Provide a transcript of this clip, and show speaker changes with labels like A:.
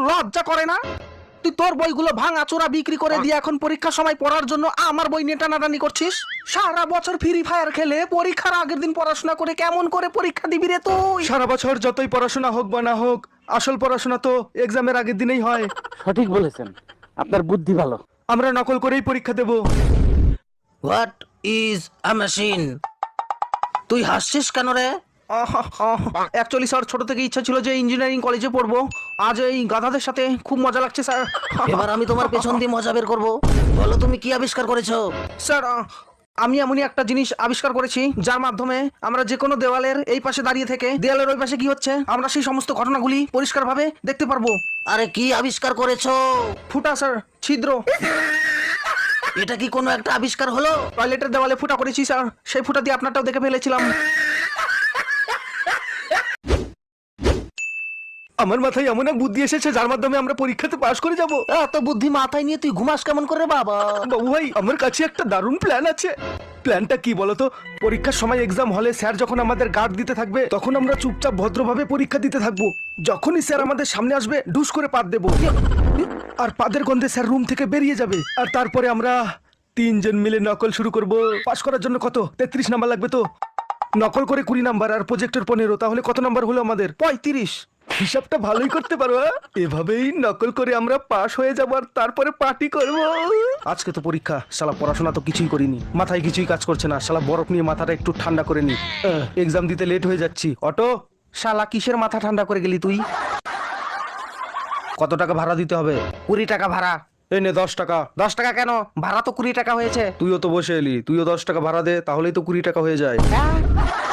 A: লজ্জা করে না? তুই তোর বইগুলো ভাঙা চোরা বিক্রি করে দিয়ে এখন পরীক্ষার সময় পড়ার জন্য আমার বই নিয়ে টানাটানি করছিস। সারা বছর ফ্রি ফায়ার খেলে পরীক্ষার আগের দিন পড়াশোনা করে কেমন করে পরীক্ষা দিবি রে তুই?
B: সারা বছর যতই পড়াশোনা হোক বা না হোক, আসল পড়াশোনা তো এক্সামের আগের দিনেই হয়।
C: সঠিক বলেছেন, আপনার বুদ্ধি ভালো।
B: আমরা নকল করেই পরীক্ষা দেব।
A: What is a machine? তুই হাসছিস কেন রে? অ্যাকচুয়ালি স্যার, ছোট থেকে ইচ্ছা ছিল যে ইঞ্জিনিয়ারিং কলেজে পড়বো। আজ এই গাধাদের সাথে খুব মজা লাগছে স্যার।
D: এবার আমি তোমার পেছন দিয়ে মজা বের করবো। বলো তুমি কি আবিষ্কার করেছো?
A: স্যার, আমি এমনই একটা জিনিস আবিষ্কার করেছি যার মাধ্যমে আমরা যে কোনো দেওয়ালের এই পাশে দাঁড়িয়ে থেকে দেওয়ালের ওই পাশে কি হচ্ছে আমরা সেই সমস্ত ঘটনাগুলি পরিষ্কারভাবে দেখতে পারবো।
D: আরে কি আবিষ্কার করেছো?
A: ফুটা স্যার, ছিদ্র।
D: এটা কি কোনো একটা আবিষ্কার হলো?
A: টয়লেটের দেওয়ালে ফুটা করেছি স্যার, সেই ফুটা দিয়ে আপনারটাও দেখে ফেলেছিলাম।
B: আমার মাথায় এমন এক বুদ্ধি এসেছে যার মাধ্যমে আমরা পরীক্ষাতে পাশ করে যাব।
D: এত বুদ্ধি মাথায় নিয়ে তুই ঘুমাস কেমন করে বাবা?
B: বাবু ভাই, আমার কাছে একটা দারুণ প্ল্যান আছে। প্ল্যানটা কি বলতো? পরীক্ষার সময় এক্সাম হলে স্যার যখন আমাদের গার্ড দিতে থাকবে তখন আমরা চুপচাপ ভদ্রভাবে পরীক্ষা দিতে থাকবো। যখনই স্যার আমাদের সামনে আসবে ডুস করে পাত দেবো, আর পাদের গন্ধে স্যার রুম থেকে বেরিয়ে যাবে। আর তারপরে আমরা তিনজন মিলে নকল শুরু করব। পাশ করার জন্য কত 33 নাম্বার লাগবে তো? নকল করে 20 নাম্বার আর প্রজেক্টর 15, তাহলে কত নাম্বার হলো আমাদের? 35। হিসাবটা ভালোই করতে পারো। এভাবেই নকল করে আমরা পাশ হয়ে যাবো আর তারপরে পার্টি করব।
A: আজকে তো পরীক্ষা, শালা পড়াশোনা তো কিছুই করিনি, মাথায় কিছুই কাজ করছে না। শালা বরফ নিয়ে মাথাটা একটু ঠান্ডা করে নি।
B: এক্সাম দিতে লেট হয়ে যাচ্ছি।
A: অটো, শালা কিসের মাথা ঠান্ডা করে গেলি তুই? কত টাকা ভাড়া দিতে হবে? 20 টাকা ভাড়া।
B: এই নে 10 টাকা।
A: 10 টাকা কেন? ভাড়া তো 20 টাকা হয়েছে।
B: তুইও তো বসে এলি, তুইও 10 টাকা ভাড়া দে, তাহলেই তো 20 টাকা হয়ে যায়।